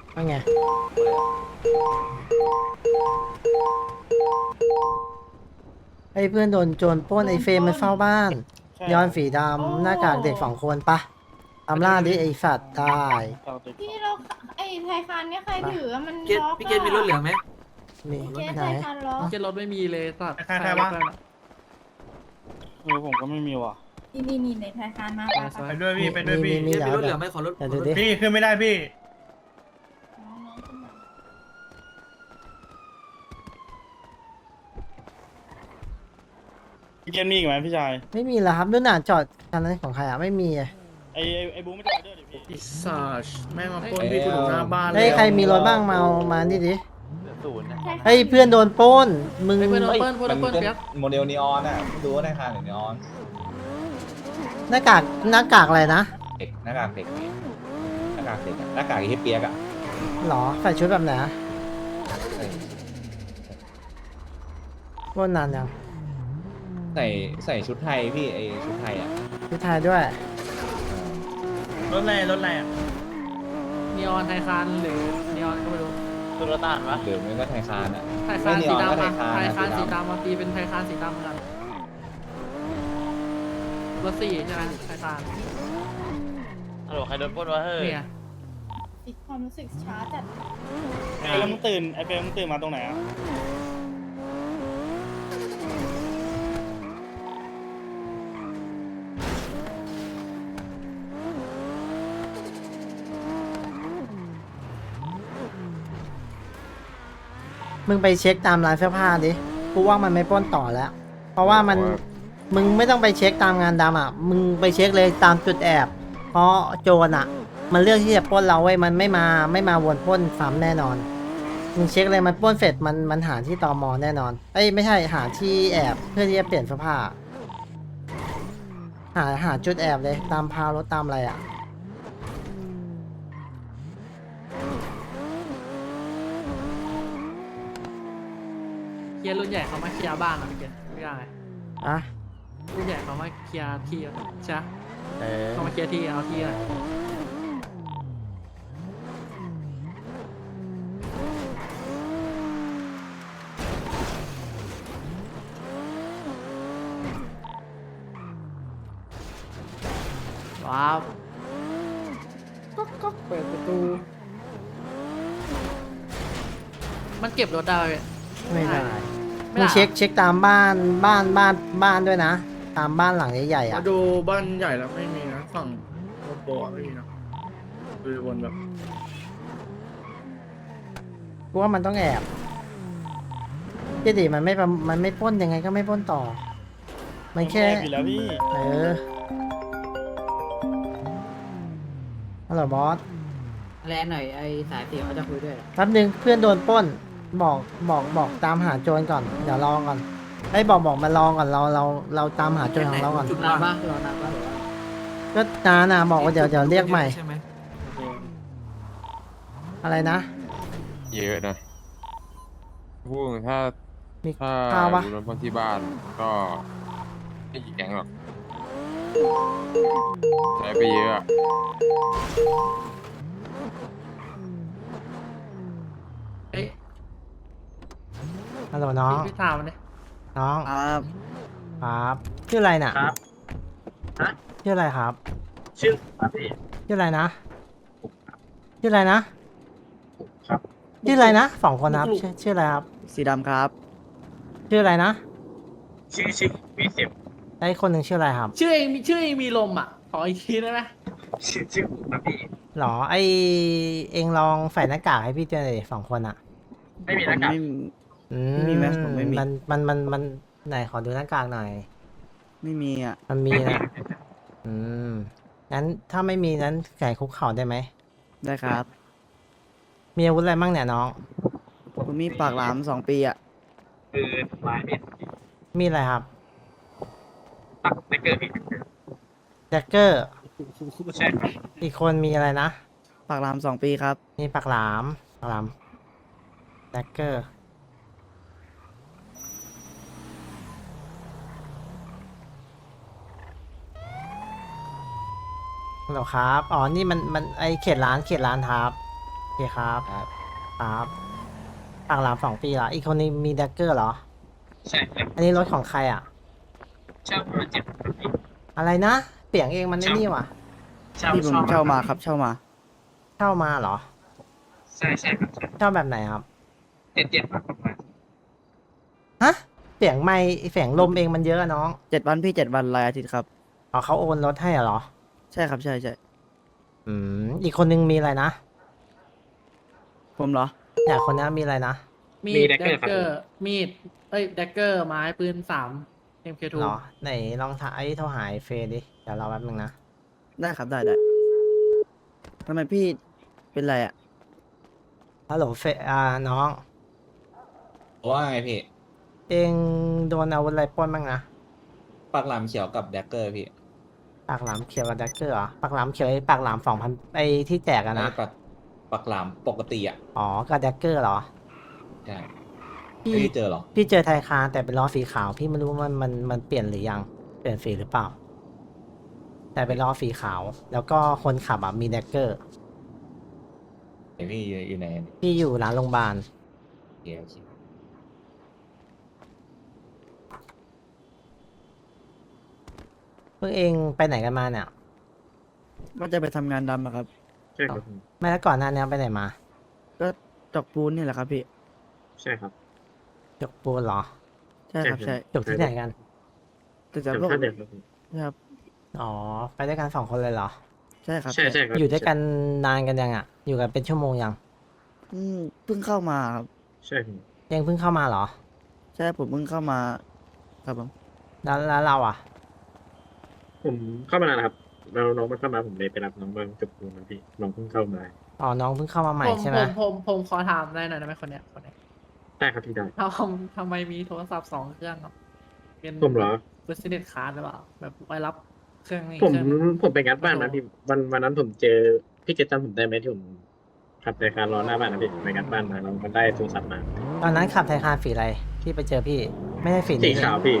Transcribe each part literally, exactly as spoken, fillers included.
ว่าไงไอ้เพื่อนโดนโจรปล้นไอ้เฟรมมันเฝ้าบ้านย้อนสีดำหน้ากากเด็กสองคนปะตามล่าดิไอ้สัตว์ได้พี่เราไอ้ไทยคันเนี่ยใครถืออะมันเกตล็อกพี่เกตมีรถเหลืองไหมมีเกตไหนไทยคันล็อกเกตรถไม่มีเลยสัตว์ใครใครวะ เออผมก็ไม่มีว่ะนี่นี่นี่ในไทยคันมาปะไปด้วยพี่ไปด้วยพี่มีเกตแล้มีวรถเหลืองไหมขอรถเดี๋ยวดูดิพี่ขึ้นไม่ได้พี่น้องๆขึ้นมาพี่เกมมีอีกไหมพี่ชายไม่มีแล้วครับนู่นน่ะจอดคันนั้นของใครอ่ะไม่มีอะไอไอไอบูไม่ได้ด้วยดิพี่อิสาชแม่งมาปล้นพี่กูถึงหน้าบ้านเฮ้ยใครมีรถบ้างมาเอามานี่ดิศูนย์นะไทยคันเฮ้ยเพื่อนโดนปล้นมึงเพื่อนเปิ้ลเพื่อนเปิ้ลมันเปียกโมเดลนีออนอ่ะไม่รู้ว่าในคานหรือนีออนหน้ากากหน้ากากอะไรนะเด็กหน้ากากเด็กหน้ากากเด็กอะหน้ากากไอ้เฮียเปียกอ่ะหรอใส่ชุดแบบไหนอะใส่ปล้นนานยังใส่ใส่ชุดไทยพี่ไอชุดไทยอ่ะชุดไทยด้วยรถอะไรรถอะไรอ่ะนีออนไทยคันหรือนีออนก็ไม่รู้ตัวรถต่างวะหรือไม่ก็ไทยคานอ่ะไทยคันไม่นีสีออนก็ดำไทอะยคานไทยอะคันสีสีดำดำมาตีเป็นไทยคันสีดำเหมือนกันรถสี่ใช่ไหมไทยคันฮัลโหลใครโดนปล้นวะเฮ้ยเนี่ยอีกความรู้สึกช้าจัดไอแล้วมึงตื่นไอเฟรมมึงตื่นมาตรงไหนอ่ะมึงไปเช็คตามร้านเสื้อผ้าดิกูว่ามันไม่ปล้นต่อแล้ว เพราะว่ามันมึงไม่ต้องไปเช็คตามงานดำอ่ะมึงไปเช็คเลยตามจุดแอบ เพราะโจรอ่ะ มันเลือกที่จะปล้นเราไว้ยมันไม่มาไม่มาวนปล้นซ้ำแน่นอนมึงเช็คเลยมันปล้นเสร็จมันมันหาที่ตมแน่นอนเอ้ยไม่ใช่หาที่แอบเพื่อที่จะเปลี่ยนเสื้อผ้า หาหาจุดแอบเลยตามพาวรถตามอะไรอ่ะเคลียร์รุ่นใหญ่เขามาเคลียร์บ้านอะพี่เกตไม่ได้อ่ะรุ่นใหญ่เขามาเคลียร์ที่อะใช่ปะเออเขามาเคลียร์ที่เอาที่อะว้าวก๊อกก๊อกเปิดประตูมันเก็บรถได้ไหมไม่ได้ไม่มึงได้เช็คเช็คตามบ้านบ้านบ้านบ้านด้วยนะ ตามบ้านหลังใหญ่ๆอ่ะมาดูบ้านใหญ่แล้วไม่มีนะฝั่งโมโปะไม่มีนะดูวนแบบกูว่ามันต้องแอบเจดีมันไม่ประมันไม่ปล้นยังไงก็ไม่ปล้นต่อ มันแค่แอบอยู่แล้วพี่เออฮัลโหลบอสแลนหน่อยไอ้สายเสียเขาจะคุยด้วยแป๊บนึงเพื่อนโดนปล้น บอกบอกบอกตามหาโจรก่อน เดี๋ยวรอก่อนไอ้ยบอกบอกมาลองก่อนเราเราเราตามหาโจรของเราก่อนจุดนานปะรอนานปะหรือว่าก็นานนะบอกว่าเดี๋ยวเดี๋ยวเรียกใหม่ใช่ไหมอะไรนะเยอะนะพูดถ้ามีถ้าข้าวปะดูน้ำพ่นที่บ้านก็ไม่กี่แก๊งหรอกใช้ไปเยอะอะเอ้ยฮัลโหลน้องพี่พี่ถามมันดิน้องครับครับชื่ออะไรน่ะครับฮะชื่ออะไรครับชื่อครับพี่ชื่ออะไรนะชื่ออะไรนะครับชื่ออะไรนะสองคนนะครับชื่อชื่ออะไรครับสีดำครับชื่ออะไรนะชื่อชื่อวีสิบไอ้คนหนึ่งชื่ออะไรครับชื่อเองมีชื่อเองมีลมอ่ะขออีกทีได้ไหมชื่อชื่อครับพี่หรอไอเองลองใส่หน้ากากให้พี่เจอหน่อยดิสองคนอ่ะไม่มีหน้ากากอืไม่มีแมสผมไม่มีมันมันมันมันไหนขอดูหน้ากากหน่อยไม่มีอ่ะมันมีนะอืมงั้นถ้าไม่มีนั้นไก่คุกเข่าได้ไหมได้ครับมีอาวุธอะไรบ้างเนี่ยน้องผมมีปากหลามสองปีอ่ะคือไม้เนี่ยมีอะไรครับตักไม่เกินพี่แจ็คเกอร์ใช่ครับอีกคนมีอะไรนะปากหลามสองปีครับมีปากหลามปากหลามแจ็คเกอร์ฮัลโหลครับ อ๋อ นี่มัน มัน ไอเขตร้าน เขตร้านครับ เขเคครับครับครับปากหลามสองปีเหรอ อีกคนนึงมีแดกเกอร์เหรอใช่ครับอันนี้รถของใครอ่ะเช่าประมาณเจ็ดพันครับพี่อะไรนะ เปลี่ยนเองมันไอ้นี่ว่ะเช่าที่ผมเช่ามาครับเช่ามาเช่ามาเหรอใช่ใช่ครับใช่เช่าแบบไหนครับเจ็ดเจ็ดพันประมาณฮะ เสียงไม่เสียงลมเองมันเยอะอะน้องเจ็ดวันพี่เจ็ดวันรายอาทิตย์ครับอ๋อเขาโอนรถให้เหรอใช่ครับใช่ใช่อืม อีกคนนึงมีอะไรนะผมเหรออยากคนนี้มีอะไรนะมีดแดกเกอร์มีดเอ้ยแดกเกอร์ไม้ปืนสามเอ็มเคทูเหรอ ไหนลองถ่ายโทรหายเฟยดิ เดี๋ยวรอแป๊บนึงนะได้ครับได้ได้ทำไมพี่เป็นไรอ่ะฮัลโหลเฟยอ่าน้องว่าไงพี่เองโดนอาวุธอะไรปล้นบ้างนะปากหลามเขียวกับแดกเกอร์พี่ปากหลามเขียวกับแดกเกอร์เหรอ ปากหลามเขียวไอ้ปากหลามสองพันไอ้ที่แจกอะนะไอ้ปากปากหลามปกติอ่ะอ๋อกับแดกเกอร์เหรอใช่พี่ไม่ได้เจอหรอพี่เจอไทยคานแต่เป็นล้อสีขาว พี่ไม่รู้ว่ามันมันมันเปลี่ยนหรือยัง เปลี่ยนสีหรือเปล่า แต่เป็นล้อสีขาว แล้วก็คนขับอ่ะมีแดกเกอร์เดี๋ยวพี่อยู่อยู่ไหนพี่อยู่ร้านโรงพยาบาลเดี๋ยวคิดเพิ่งเองไปไหนกันมาเนี่ยว่าจะไปทำงานดำอะครับใช่ครับไม่แล้วก่อนหน้านี้ไปไหนมาก็จอกปูนนี่แหละครับพี่ใช่ครับจกปูนเหรอใช่ครับใช่จกที่ไหนกันแต่จะจำพวกท่าเด็กครับพี่ครับอ๋อ ไปด้วยกันสองคนเลยเหรอใช่ครับใช่ใช่ครับอยู่ด้วยกันนานกันยังอ่ะ อยู่กันเป็นชั่วโมงยังอืมเพิ่งเข้ามาครับใช่ครับยังเพิ่งเข้ามาเหรอใช่ผมเพิ่งเข้ามาครับผมแล้วแล้วเราอ่ะผมเข้ามานานแล้วครับแล้วน้องมันเข้ามาผมเลยไปรับน้องมาจบปูนนะพี่น้องเพิ่งเข้ามาอ๋อ น้องเพิ่งเข้ามาใหม่ผมใช่ไหมผมผมผมขอถามได้หน่อยได้ไหมคนเนี้ยคนเนี้ยได้ครับพี่ได้ทำทำไมมีโทรศัพท์สองเครื่องครับเป็นผมเหรอบิสเนสคาร์ดหรือเปล่าแบบไว้รับเครื่องนี้ผมเครื่องผมไปงัดบ้านนะพี่วันวันนั้นผมเจอพี่เกตจำผมได้ไหมที่ผมขับในการรอหน้าบ้านนะพี่ไปงัดบ้านมาแล้วมันได้โทรศัพท์มาตอนนั้นขับไทยคานฝีอะไรที่ไปเจอพี่ ไม่ได้ฝีสีนี้ขาวพี่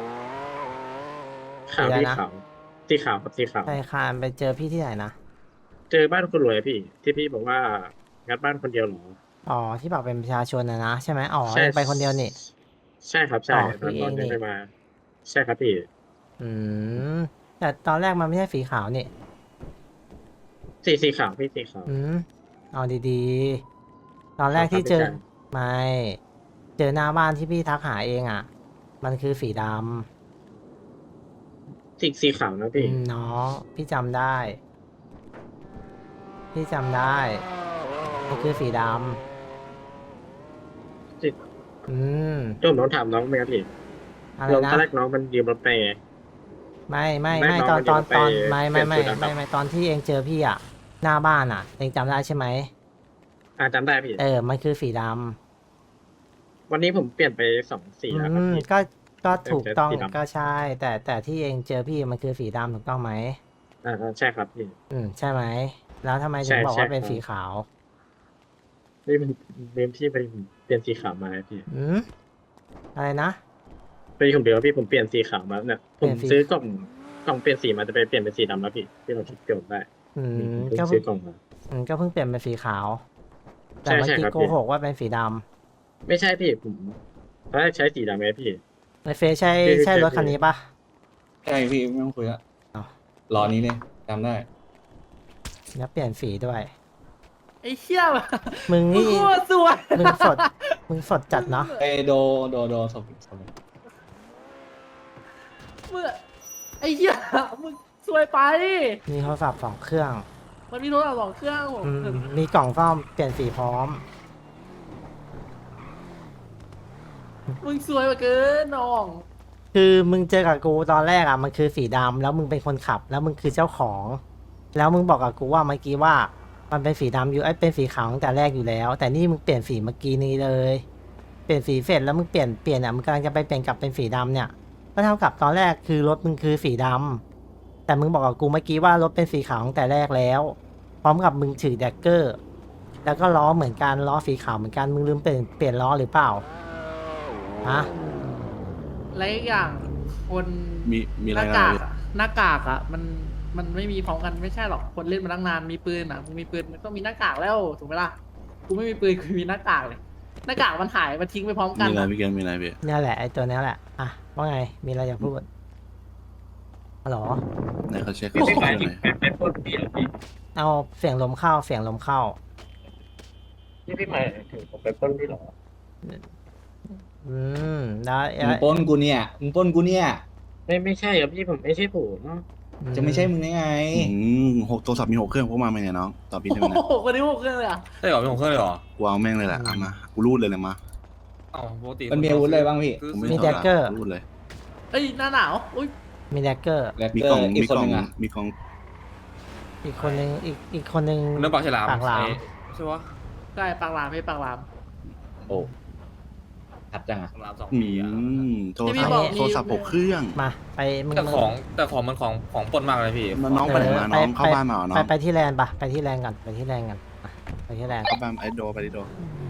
ขาวสีอะไรพี่นะขาวสีขาวครับสีขาวไทยคานไปเจอพี่ที่ไหนนะเจอบ้านคนรวยอะพี่ ที่พี่บอกว่างัดบ้านคนเดียวเหรออ๋อ ที่บอกเป็นประชาชนนะนะใช่ไหมอ๋อใช่เองไปคนเดียวนี่ใช่ครับใช่อ๋อตอนพี่ตอนเองนี่นี้ไปมา ใช่ครับพี่อืม แต่ตอนแรกมันไม่ใช่สีขาวนี่สีสีขาวพี่สีขาวอืม เอาดีๆ ตอนแรกที่เจอเอาครับไม่ เจอหน้าบ้านที่พี่ทักหาเองอ่ะ มันคือสีดสีสีขาวนะำพี่อืมน้องพี่จำได้ พี่จำได้ มันคือสีดสีำ อืมที่ผมต้องถามน้องไหมครับพี่อะไรน้องนะตอนแรกน้องมันยืมรถไปไม่ไม่ไม่ไม่น้องตอนมันตอนจะไปตอนไม่ไม่ไม่เปลี่ยนสูตรไม่นะครับไม่ตอนที่เองเจอพี่อ่ะ หน้าบ้านอ่ะ เองจำได้ใช่ไหมอ่าจำได้พี่เออ มันคือสีดวันนี้ผมเปลี่ยนไปสองสีำแล้วครับอืมพี่ก็ก็ถูกต้องเจอสีดำก็ใช่ แต่แต่ที่เองเจอพี่มันคือสีดำถูกต้องไหมอ่าใช่ครับพี่อืมใช่ไหม แล้วทำไมถึใช่งบอกใช่ว่าเป็นครับสีขาวนี่มันเมมที่ไปผมเปลี่ยนสีขาวมาครับพี่อืมอะไรนะไปผมเดียวพี่ผมเปลี่ยนสีขาวมาเนี่ยผเปลี่มยนสีซื้อกล่องกล่องเปลี่ยนสีมาจะไปเปลี่ยนเป็นสีดำแล้วพี่ที่เราคิดเปลี่ยนได้อืมผมก็เพิ่งเพิ่ซื้อง กล่องมาอืมก็เพิ่งเปลี่ยนเป็นสีขาว แต่ใช่เมื่อใช่กี้ครับโกพี่หกว่าเป็นสีดไม่ใช่พี่ผมตอนแรกใช้สีดำไหมพี่ำในเฟซใช่พี่ใช่ใช่รถคันนี้ปะใช่พี่ไม่ต้องคุยละอ้าวรอนี้เนี่ยจำได้แล้วเปลี่ยนสีด้วยไอ้เชี่ยมึงมึงนี่โคตรสวยมึงสด มึงสดจัดเนาะไอโดโดโดสบสบเมื่อไอ้เหี้ยมึงสวยไปมีโทรศัพท์สองเครื่องมันมีโทรศัพท์สองเครื่องผมอืมมีกล่องซ่อมเปลี่ยนสีพร้อมมึงสวยกว่าเกินน้องคือมึงเจอกับกูตอนแรกอ่ะมันคือสีดำแล้วมึงเป็นคนขับ แล้วมึงคือเจ้าของ แล้วมึงบอกกับกูว่าเมื่อกี้ว่ามันเป็นสีดำอยู่ไอ้ยเป็นสีขาวตั้งแต่แรกอยู่แล้ว แต่นี่มึงเปลี่ยนสีเมื่อกี้นี้เลย เปลี่ยนสีเสร็จแล้วมึงเปลี่ยนเปลี่ยนอ่ะมึงกำลังจะไปเปลี่ยนกลับเป็นสีดำเนี่ยก็เท่ากับตอนแรกคือรถมึงคือสีดำแต่มึงบอกกับกูเมื่อกี้ว่ารถเป็นสีขาวตั้งแต่แรกแล้ว พร้อมกับมึงถือแดกเกอร์ แล้วก็ล้อเหมือนกันล้อสีขาวเหมือนกันมึงลืมเปลี่ยนเปลี่ยนล้อหรือเปล่าฮะและอีกอย่างคนมีมีอะหไรน้านะกากพี่อะหน้ากากอะมันมันไม่มีพร้อมกันไม่ใช่หรอกคนเล่นมาตั้งนานมีปืนอะมึงมีปืนมันต้องมีหน้ากากแล้วถูกไหมล่ะกูไม่มีปืนกูมีหน้ากากเลยหน้ากากมันหายมันทิ้งไปพร้อมกันมีอะไรอะพี่เกมมีอะไรพี่เนี่ยแหละไอ้ตัวเนี้ยแหละอ่ะว่าไงมีอะไรอยากพูดฮัลโหลไหนเขาเช็คพี่เขาไม่เช็คหมายหถึน่งอยไปไปปล้นพี่เหรอพี่เอาเสียงลมเข้าเสียงลมเข้านี่พี่หมายถึงผมไปปล้นพี่เหรออืมแล้วมึงปล้นกูเนี่ยมึงปล้นกูเนี่ยไม่ไม่ใช่ครับพี่ผมไม่ใช่ผมจะไม่ใช่มึงได้ไงอืมหกโทรศัพท์มีหกเครื่องพวกมาไหมเนี่ยน้องตอบพี่ได้ไหมโอ้เนี่ยโหคนนี้หกเครื่องเลยอ่ะใช่เหรอเป็นของเครื่องเลยเหรอกูเอาแม่งเลยแหละเอามากูรูดเลยเลยมาอ๋อปกติมันมีอาวุธอะไรบ้างพี่คือกูไม่มีสนแดละกเกอร์รูดเลยเอ้ยหน้าหนาวอุ้ยมีแดกเกอร์แล้วมีก็กล่องอีมีกคนกล่องหนึงอ่ะมีกล่องอีกคนนึงอีกอีกคนนึงเรื่องปากฉลามปากหลามไอ้ใช่ปะใช่ปากหลามพี่ปากหลามโอ้ชัดจังอ่ะปากฉลามสองอืปีอ่ะมโทรที่พี่ศัพบอกท์มีโทรศัพท์หกเครื่องมาไปมึงแต่ของแต่ของมันของของปล้นมากเลยพี่น้องไปไหนมาน้องเข้าบ้านมาเหรอน้ไปองไปที่แลนด์ปะไปที่แลนด์ก่อนไปที่แลนด์ก่อนอ่ะไปที่แลนด์เข้าบ้านไอโดไปดิโด